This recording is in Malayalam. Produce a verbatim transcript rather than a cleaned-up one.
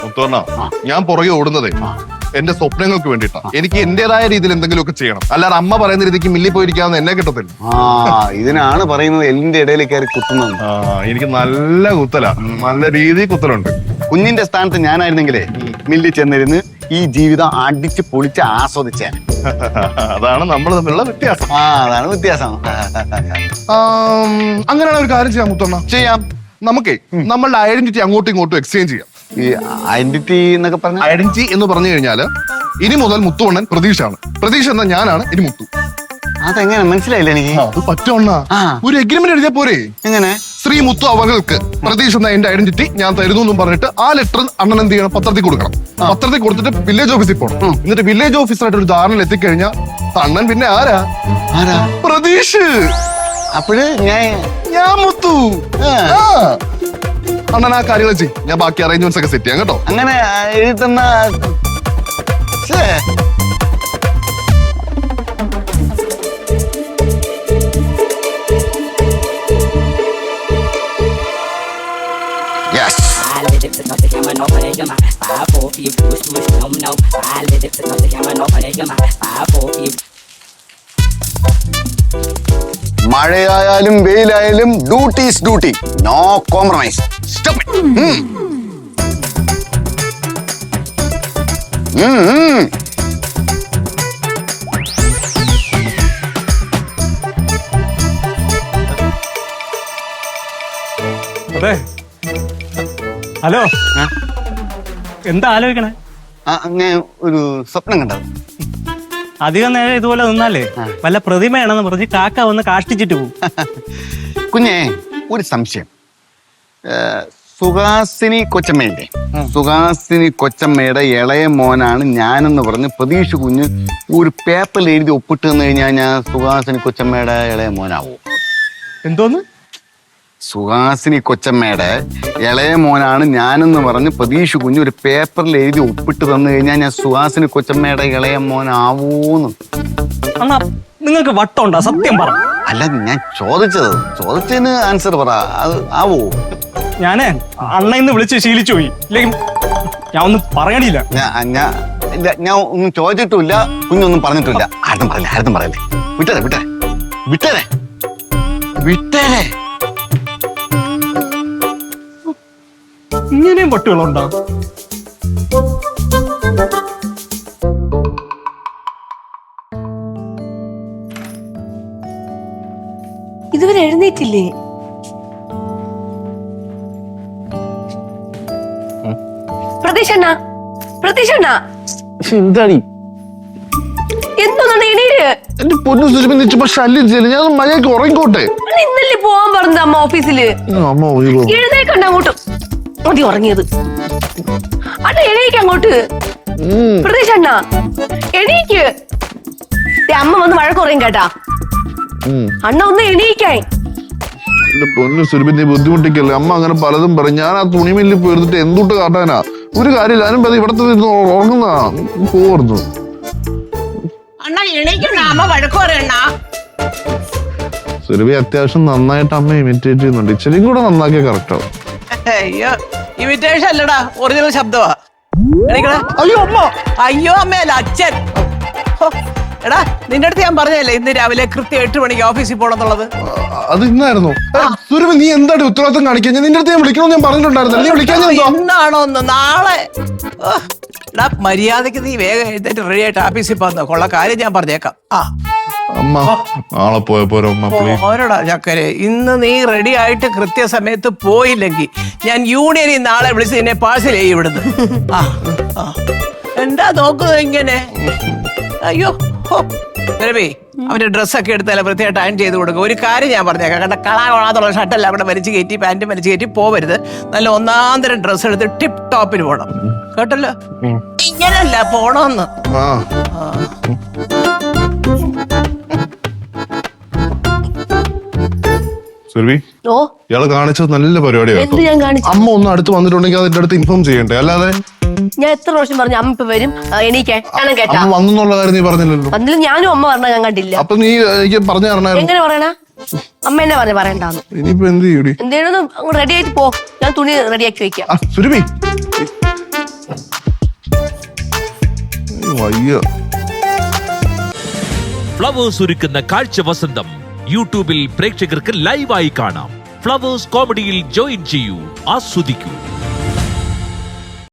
ഞാൻ പുറകെ ഓടുന്നതേ എന്റെ സ്വപ്നങ്ങൾക്ക് വേണ്ടിയിട്ടാണ്. എനിക്ക് എന്റേതായ രീതിയിൽ എന്തെങ്കിലുമൊക്കെ ചെയ്യണം. അല്ലാതെ അമ്മ പറയുന്ന രീതിക്ക് മില്ലിൽ പോയിരിക്കാവുന്ന എന്നെ കിട്ടത്തില്ല. ആ ഇതിനാണ് പറയുന്നത് എല്ലിന്റെ ഇടയിൽ കയറി കുത്തുന്നത്. ആ എനിക്ക് നല്ല കുത്തലാ, നല്ല രീതിയിൽ കുത്തലുണ്ട്. കുഞ്ഞിന്റെ സ്ഥാനത്ത് ഞാനായിരുന്നെങ്കിലേ മില്ലിൽ ചെന്നിരുന്ന് ഈ ജീവിതം അടിച്ച് പൊളിച്ച് ആസ്വദിച്ചേ. അതാണ് നമ്മൾ തമ്മിലുള്ള വ്യത്യാസം. ആ അതാണ് വ്യത്യാസം. അങ്ങനെയാണ് ഒരു കാര്യം ചെയ്യാം മുത്തണ്ണ. ചെയ്യാം. നമുക്കേ നമ്മളുടെ ഐഡന്റിറ്റി അങ്ങോട്ടും ഇങ്ങോട്ടും എക്സ്ചേഞ്ച് ചെയ്യാം. ഈ ഐഡന്റിറ്റി എന്നൊക്കെ പറഞ്ഞ ഐഡന്റിറ്റി എന്ന് പറഞ്ഞു കഴിഞ്ഞാല് ഇനി മുതൽ മുത്തുവണ്ണൻ പ്രതീക്ഷാണ്. പ്രതീക്ഷ എന്ന ഞാനാണ് ഇനി മുത്തു. അതെങ്ങനെ മനസ്സിലായില്ല എനിക്ക്. അത് പറ്റുവണ്ണ. ഒരു എഗ്രിമെന്റ് എഴുതിയാ പോരെ? എങ്ങനെ? ശ്രീ മുത്തു അവകൾക്ക് പ്രതീക്ഷ എന്ന എന്റെ ഐഡന്റിറ്റി ഞാൻ തരുന്നു എന്നും പറഞ്ഞിട്ട് ആ ലെറ്റർ അണ്ണൻ എന്ത് ചെയ്യണം? പത്രത്തിൽ കൊടുക്കണം. പത്രത്തിൽ കൊടുത്തിട്ട് വില്ലേജ് ഓഫീസിൽ പോകണം. എന്നിട്ട് വില്ലേജ് ഓഫീസറായിട്ട് ഒരു ധാരണയിൽ എത്തിക്കഴിഞ്ഞാൽ അണ്ണൻ പിന്നെ ആരാ? ആരാ? പ്രതീക്ഷ. അപ്പോഴ് ഞാൻ ഞാൻ മുത്തു. അണ്ണൻ ആ കാര്യങ്ങൾ ചെയ്യും. ഞാൻ ബാക്കി അറേഞ്ച്മെന്റ്സ് ഒക്കെ സെറ്റ് ചെയ്യാം കേട്ടോ. അങ്ങനെ എഴുതി തന്ന മഴയായാലും വെയിലായാലും duty is duty. No compromise. Stop it. അതെ. ഹലോ, എന്താ ആലോചിക്കണേ? ഞാൻ ഒരു സ്വപ്നം കണ്ടത്. അധികം നേരം ഇതുപോലെ നിന്നാലേ വല്ല പ്രതിമയാണെന്ന് പറഞ്ഞ് കാക്ക വന്ന് കാഷ്ടിച്ചിട്ട് പോകും. കുഞ്ഞെ ഒരു സംശയം. സുഹാസിനി കൊച്ചമ്മയുടെ സുഹാസിനി കൊച്ചമ്മയുടെ ഇളയ മോനാണ് ഞാനെന്ന് പറഞ്ഞ് പ്രതീക്ഷ കുഞ്ഞ് ഒരു പേപ്പറിൽ എഴുതി ഒപ്പിട്ട് തന്നു കഴിഞ്ഞാൽ ഞാൻ സുഹാസിനി കൊച്ചമ്മയുടെ ഇളയ മോനാവോ? എന്തോന്ന്? സുഹാസിനി കൊച്ചമ്മയുടെ ഇളയ മോനാണ് ഞാനെന്ന് പറഞ്ഞ് പ്രതീക്ഷ കുഞ്ഞ് ഒരു പേപ്പറിൽ എഴുതി ഒപ്പിട്ട് തന്നു കഴിഞ്ഞാൽ ഞാൻ സുഹാസിനി കൊച്ചമ്മയുടെ ഇളയ മോനാവൂന്ന്. അണ്ണാ നിങ്ങൾക്ക് വട്ടമുണ്ടോ? സത്യം പറ. അല്ല ഞാൻ ചോദിച്ചത് ചോദിച്ചതിന് ആൻസർ പറ. അത് ആവോ? ഞാനേ അണ്ണ ഇന്ന് വിളിച്ച് ശീലിച്ചു പോയി. ഇല്ലെങ്കിൽ ഞാൻ ഒന്നും പറയണില്ല. ഞാൻ ഒന്നും ചോദിച്ചിട്ടില്ല, കുഞ്ഞൊന്നും പറഞ്ഞിട്ടില്ല. ആരും പറയില്ല, ആരും പറയില്ലേ. വിട്ടേ വിട്ടേ വിട്ടേ വിട്ടേ. ഇങ്ങനെയും പട്ടുകളുണ്ടോ? ഇതുവരെ എഴുന്നേറ്റില്ലേ? പ്രതീക്ഷണ്ണ പ്രതീക്ഷണ്ണ എന്താടി എന്തോന്നാണ് എണീര്? എന്റെ പൊന്നു സുരഭിച്ചപ്പോ ശല്യം ചെയ്യില്ല. ഞാൻ മഴയൊക്കെ ഉറങ്ങിക്കോട്ടെ. ഇന്നല്ലേ പോവാൻ പറഞ്ഞത് അമ്മ ഓഫീസില്? അമ്മ എഴുന്നേക്കണ്ട അങ്ങോട്ട്. മതി ഉറങ്ങിയത്. അണ്ണ എണീക്ക് അങ്ങോട്ട്. പ്രതീക്ഷണ്ണ എണീക്ക്. അമ്മ വന്ന് മഴ കുറയും കേട്ടാ. അണ്ണ ഒന്ന് എണീക്കാൻ. എന്റെ പൊന്നു സുരഭി നീ ബുദ്ധിമുട്ടിക്കല്ലേ. അമ്മ അങ്ങനെ പലതും പറയും. ഞാൻ ആ തുണിമില്ലിൽ പോയിരുന്നിട്ട് എന്തുട്ട് കാട്ടാനാ? ഒരു കാര്യമില്ല. അതിനും പതി ഇവിടത്തെ ഉറങ്ങുന്ന പോർന്നു. സുരഭി അത്യാവശ്യം നന്നായിട്ട് അമ്മ ഇമിറ്റേറ്റ് ചെയ്യുന്നുണ്ട്. ഇച്ചിരിയും കൂടെ നന്നാക്കിയ കറക്റ്റ് ആവും. അയ്യോ ഇമിറ്റേഷൻ അല്ലടാ, ഒറിജിനൽ ശബ്ദമാ. അയ്യോ അമ്മ. അയ്യോ അമ്മയല്ല, അച്ഛൻ. എടാ നിന്റെ അടുത്ത് ഞാൻ പറഞ്ഞല്ലേ ഇന്ന് രാവിലെ കൃത്യം എട്ട് മണിക്ക് ഓഫീസിൽ പോണെന്നുള്ളത്. അത് ഇന്നായിരുന്നു. സുരഭി നീ എന്താണ് ഉത്തരവാദിത്തം കാണിക്കാൻ? നിന്റെ അടുത്ത് ഞാൻ വിളിക്കണമെന്ന് ഞാൻ പറഞ്ഞിട്ടുണ്ടായിരുന്നു. നീ വിളിക്കാൻ എന്നാണോ ഒന്ന് നാളെ? എടാ മര്യാദക്ക് നീ വേഗം എഴുന്നേറ്റ് റെഡി ആയിട്ട് ഓഫീസിൽ പോകുന്ന കൊള്ള കാര്യം ഞാൻ പറഞ്ഞേക്കാം. ആ അമ്മ നാളെ പോയോടാ ചക്കരെ. ഇന്ന് നീ റെഡി ആയിട്ട് കൃത്യസമയത്ത് പോയില്ലെങ്കിൽ ഞാൻ യൂണിയനിൽ നാളെ വിളിച്ച് നിന്നെ പാഴ്സൽ ചെയ്യും ഇവിടുന്ന്. ആ എന്താ നോക്കുന്നത് ഇങ്ങനെ? അയ്യോ രവി അവന്റെ ഡ്രസ്സൊക്കെ എടുത്താലും വൃത്തിയായിട്ട് അയൺ ചെയ്ത് കൊടുക്കുക. ഒരു കാര്യം ഞാൻ പറഞ്ഞേക്കാം, കണ്ട കളാ കൊള്ളാത്തുള്ള ഷർട്ടെല്ലാം അവിടെ വലിച്ചു കയറ്റി പാൻറ്റും വലിച്ചു കയറ്റി പോവരുത്. നല്ല ഒന്നാന്തരം ഡ്രസ്സ് എടുത്ത് ടിപ്പ് ടോപ്പിന് പോണം, കേട്ടല്ലോ? ഇങ്ങനല്ല പോണോന്ന്. സുരഭി ഓ ഇയാള് കാണിച്ചത് നല്ല പരിപാടിയാണ്. അമ്മ ഒന്ന് അടുത്ത് വന്നിട്ടുണ്ടെങ്കിൽ അതിന്റെ അടുത്ത് ഇൻഫോം ചെയ്യണ്ടേ? അല്ലാതെ ഞാൻ എത്ര പ്രാവശ്യം പറഞ്ഞു അമ്മ ഇപ്പൊ വരും എണീക്കാൻ കേട്ടാ. അമ്മ വന്നുള്ള കാര്യം നീ പറഞ്ഞില്ലല്ലോ. അതിൽ ഞാനും അമ്മ പറഞ്ഞ ഞാൻ കണ്ടില്ല. അപ്പൊ നീ എനിക്ക് പറഞ്ഞു തരണായിരുന്നു. എങ്ങനെ പറയണ? അമ്മ എന്നെ പറഞ്ഞു പറയണ്ടാന്ന്. ഇനിയിപ്പോ എന്ത് ചെയ്യൂടി? എന്തേലും റെഡി ആയിട്ട് പോ, ഞാൻ തുണി റെഡിയാക്കി വെക്കാം. സുരഭി വയ്യ. ഫ്ലവേഴ്സ് ഒരുക്കുന്ന കാഴ്ച വസന്തം യൂട്യൂബിൽ പ്രേക്ഷകർക്ക് ലൈവായി കാണാം. ഫ്ലവേഴ്സ് കോമഡിയിൽ ജോയിൻ ചെയ്യൂ, ആസ്വദിക്കൂ.